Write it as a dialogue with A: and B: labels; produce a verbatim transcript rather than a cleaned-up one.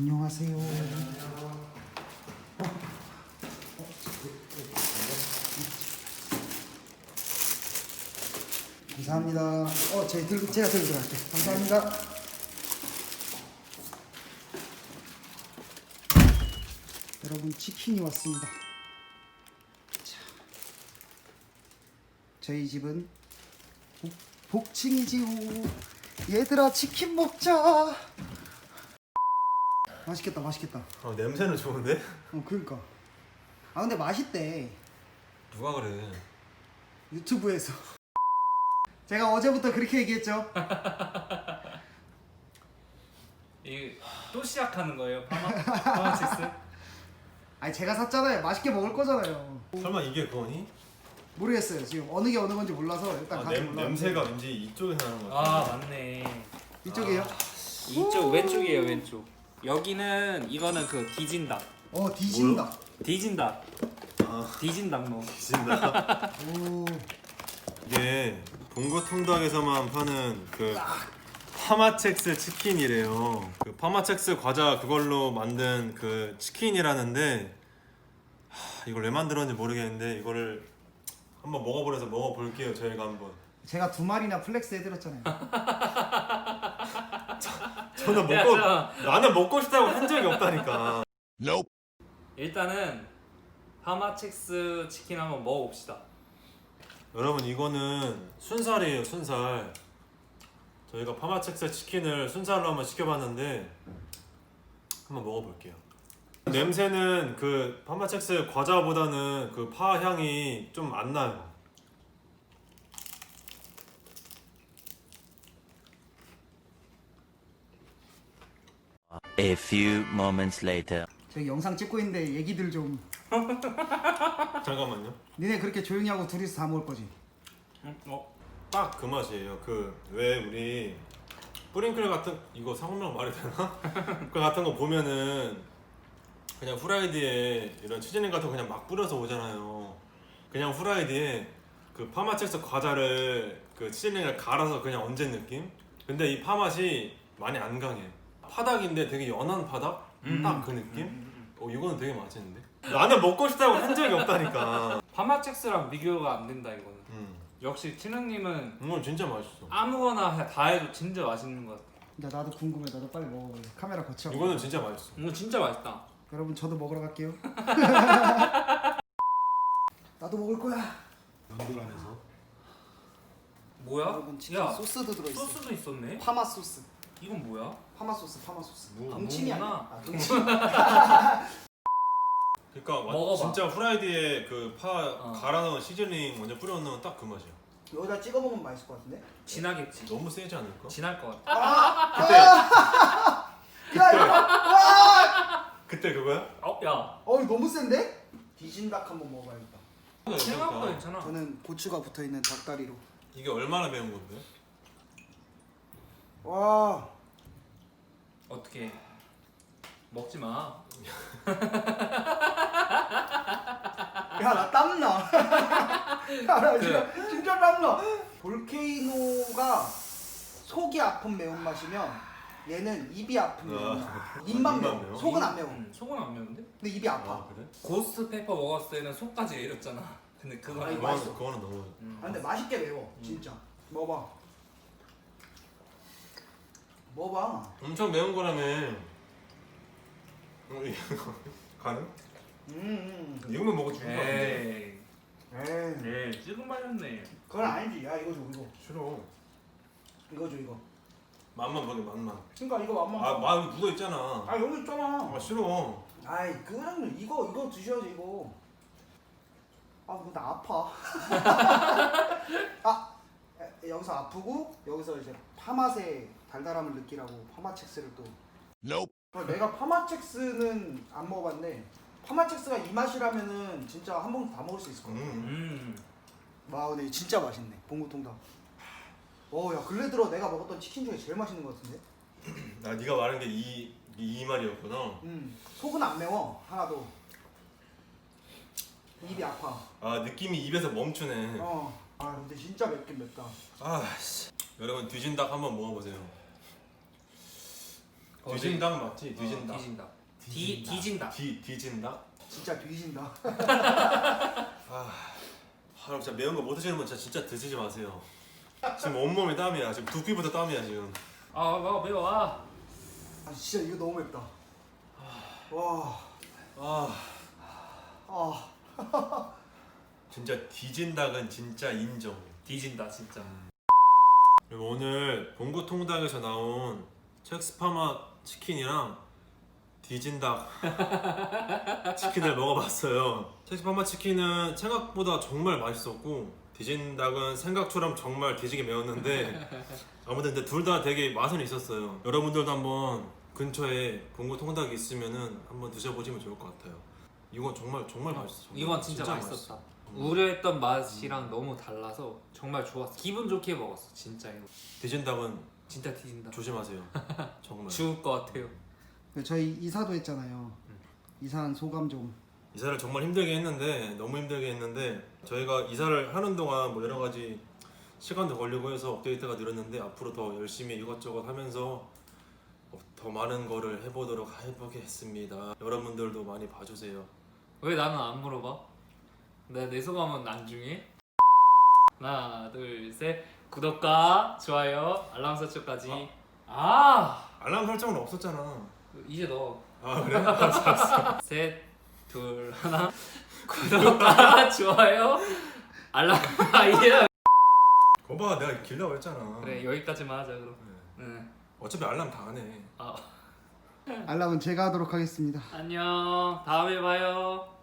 A: 안녕하세요. 어. 감사합니다. 어, 제 들고 제가 들고 들어갈게요. 감사합니다. 여러분 치킨이 왔습니다. 자, 저희 집은 복, 복층이지요. 얘들아 치킨 먹자. 맛있겠다, 맛있겠다.
B: 아, 냄새는 좋은데?
A: 어, 그러니까. 아 근데 맛있대.
B: 누가 그래?
A: 유튜브에서. 제가 어제부터 그렇게 얘기했죠.
C: 이 또 시작하는 거예요, 파마 파마치스?
A: 아니 제가 샀잖아요. 맛있게 먹을 거잖아요.
B: 설마 이게 그거니?
A: 모르겠어요. 지금 어느 게 어느 건지 몰라서 일단
B: 아,
A: 같이
B: 냄,
A: 올라.
B: 냄새가 왠지 이쪽에서 나는 것
C: 아
B: 같아.
C: 맞네.
A: 이쪽이에요?
C: 이쪽 왼쪽이에요, 왼쪽. 여기는 이거는 그 디진닭.
A: 어 뒤진다.
C: 디진닭.
B: 아,
C: 디진닭 뭐.
B: 진짜.
A: 오.
B: 이게 봉고 통닭에서만 파는 그 파마첵스 치킨이래요. 그 파마첵스 과자 그걸로 만든 그 치킨이라는데 하, 이걸 왜 만들었는지 모르겠는데 이거를 한번 먹어보려서 먹어볼게요. 저희가 한번.
A: 제가 두 마리나 플렉스 해드렸잖아요.
B: 저는
C: 야,
B: 먹고
C: 저-
B: 나는 먹고 싶다고 한 적이 없다니까.
C: 일단은 파마첵스 치킨 한번 먹어봅시다.
B: 여러분 이거는 순살이에요. 순살. 저희가 파마첵스 치킨을 순살로 한번 시켜봤는데 한번 먹어볼게요. 냄새는 그 파마첵스 과자보다는 그 파 향이 좀 안 나요.
D: A few moments later.
A: 저희 영상 찍고 있는데 얘기들 좀.
B: 잠깐만요.
A: 니네 그렇게 조용히 하고 둘이서 다 먹을 거지?
C: 응? 어?
B: 딱 그 맛이에요. 그 왜 우리 뿌링클 같은 이거 상호명 말이 되나? 그 같은 거 보면은 그냥 후라이드에 이런 치즈닝 같은 거 그냥 막 뿌려서 오잖아요. 그냥 후라이드에 그 파마첵스 과자를 그 치즈닝을 갈아서 그냥 얹은 느낌? 근데 이 파 맛이 많이 안 강해. 파닭인데 되게 연한 파닭?
C: 음.
B: 딱 그 느낌? 어 이거는 되게 맛있는데? 나는 먹고 싶다고 한 적이 없다니까.
C: 파마첵스랑 비교가 안 된다 이거는.
B: 음.
C: 역시 티능님은
B: 이건 진짜 맛있어.
C: 아무거나 다 해도 진짜 맛있는 것 같아.
A: 나 나도 궁금해. 나도 빨리 먹어볼래. 카메라 거쳐.
B: 이거는 진짜 맛있어.
C: 이거 진짜 맛있다.
A: 여러분 저도 먹으러 갈게요. 나도 먹을 거야.
B: 연돌 안에서.
C: 뭐야?
A: 여러분 치킨
C: 야,
A: 소스도 들어있어.
C: 소스도 있었네.
A: 파마 소스.
C: 이건 뭐야?
A: 파마 소스. 파마 소스.
B: 뭐,
A: 동치미 아니야?
C: 뭐구나.
A: 아, 동치미.
B: 그러니까 와-
C: 먹어봐.
B: 진짜 후라이드에 그 파
C: 어.
B: 갈아 넣은 시즈닝 먼저 뿌려 넣으면 딱 그 맛이야.
A: 여기다 찍어 먹으면 맛있을 것 같은데?
C: 진하겠지.
B: 너무 세지 않을까?
C: 진할 것 같아.
B: 그때
A: 야 이거. 와!
B: 그때 그거야?
C: 어, 야.
A: 어 이거 너무 센데? 디진닭 한번 먹어봐야겠다.
C: 생각보다
B: 그러니까
C: 괜찮아.
A: 저는 고추가 붙어 있는 닭다리로.
B: 이게 얼마나 매운 건데?
A: 와.
C: 어떻게? 먹지 마.
A: 야 나 땀나. 야나 진짜 진짜 땀나. 볼케이노가 속이 아픈 매운맛이면 얘는 입이 아픈
B: 아,
A: 매운맛.
B: 아,
A: 입만
B: 입만
A: 매워.
B: 매워?
A: 속은 안 매워.
C: 음, 속은 안 매운데?
A: 근데 입이 아파.
B: 아 그래?
C: 고스트 페퍼 먹었을 때는 속까지 내렸잖아. 근데 그거
A: 아,
C: 아니
A: 이거
B: 그거는,
A: 맛있어.
B: 그거는 너무
C: 음.
A: 아, 근데 맛있게 매워. 진짜. 먹어봐. 먹어봐.
B: 엄청 매운 거라며. 어, 이거 가능?
A: 음. 음.
B: 이거만 먹어 죽을 거 같은데.
C: 에이.
A: 에이.
C: 네, 지금 말렸네.
A: 그건 아니지. 야 이거 줘 이거.
B: 싫어.
A: 이거 줘 이거.
B: 맛만 보게 맛만.
A: 그러니까 이거 맛만.
B: 아, 마 묻어 있잖아.
A: 아 여기 있잖아.
B: 아 싫어.
A: 아이 그냥 이거 이거 드셔야지 이거. 아 근데 나 아파. 아 에, 여기서 아프고 여기서 이제 파맛의 달달함을 느끼라고 파마첵스를 또. 어, 내가 파마첵스는 안 먹어봤는데 파마첵스가 이 맛이라면은 진짜 한 봉지 다 먹을 수 있을 것 같아.
B: 음.
C: 음.
A: 와 근데 진짜 맛있네 봉구통닭. 어야 근래 들어 내가 먹었던 치킨 중에 제일 맛있는 것 같은데.
B: 나 네가 말한 게 이 이 말이었구나.
A: 음 속은 안 매워 하나도. 입이 아파.
B: 아 느낌이 입에서 멈추네.
A: 어. 아 근데 진짜 맵긴 맵다.
B: 아 씨. 여러분 뒤진닭 한번 먹어보세요. 뒤진닭 맞지? 뒤진닭.
C: 어, 뒤진다. 뒤 뒤진다.
B: 뒤 뒤진닭?
A: 진짜 뒤진다.
B: 아, 아 진짜 매운 거 못 드시는 분 진짜, 진짜 드시지 마세요. 지금 온몸이 땀이야. 지금 두피부터 땀이야 지금.
C: 아 매워 매워. 아.
A: 아 진짜 이거 너무 맵다. 와.
B: 아,
A: 아.
B: 진짜 뒤진닭은 진짜 인정.
C: 뒤진다 진짜.
B: 그리고 오늘 봉구 통닭에서 나온 첵스파마 치킨이랑 뒤진닭 치킨을 먹어봤어요. 첵스파마 치킨은 생각보다 정말 맛있었고 뒤진닭은 생각처럼 정말 뒤지게 매웠는데 아무튼 근데 둘 다 되게 맛은 있었어요. 여러분들도 한번 근처에 봉구 통닭이 있으면은 한번 드셔보시면 좋을 것 같아요. 이건 정말 정말 맛있어. 정말.
C: 이건 진짜, 맛있었다.
B: 맛있어.
C: 우려했던 맛이랑 너무 달라서 정말 좋았어. 기분 좋게 먹었어 진짜 이거.
B: 뒤진닭은
C: 진짜 뒤진다.
B: 조심하세요. 정말.
C: 죽을 것 같아요.
A: 저희 이사도 했잖아요. 이사한 소감 좀.
B: 이사를 정말 힘들게 했는데 너무 힘들게 했는데 저희가 이사를 하는 동안 뭐 여러 가지 시간도 걸리고 해서 업데이트가 늘었는데 앞으로 더 열심히 이것저것 하면서 더 많은 거를 해보도록 해보겠습니다. 여러분들도 많이 봐주세요.
C: 왜 나는 안 물어봐? 내, 내 소감은 나중에. 하나 둘 셋. 구독과 좋아요 알람 설정까지.
B: 어?
C: 아
B: 알람 설정은 없었잖아.
C: 이제 넣어.
B: 아 그래? 알았어, 알았어.
C: 셋, 둘, 하나. 구독과 좋아요, 알람. 아 이제
B: 거봐 내가 길라고 했잖아.
C: 그래 여기까지만 하자 그럼.
B: 네.
C: 응.
B: 어차피 알람 다 안 해.
C: 아
A: 알람은 제가 하도록 하겠습니다.
C: 안녕. 다음에 봐요.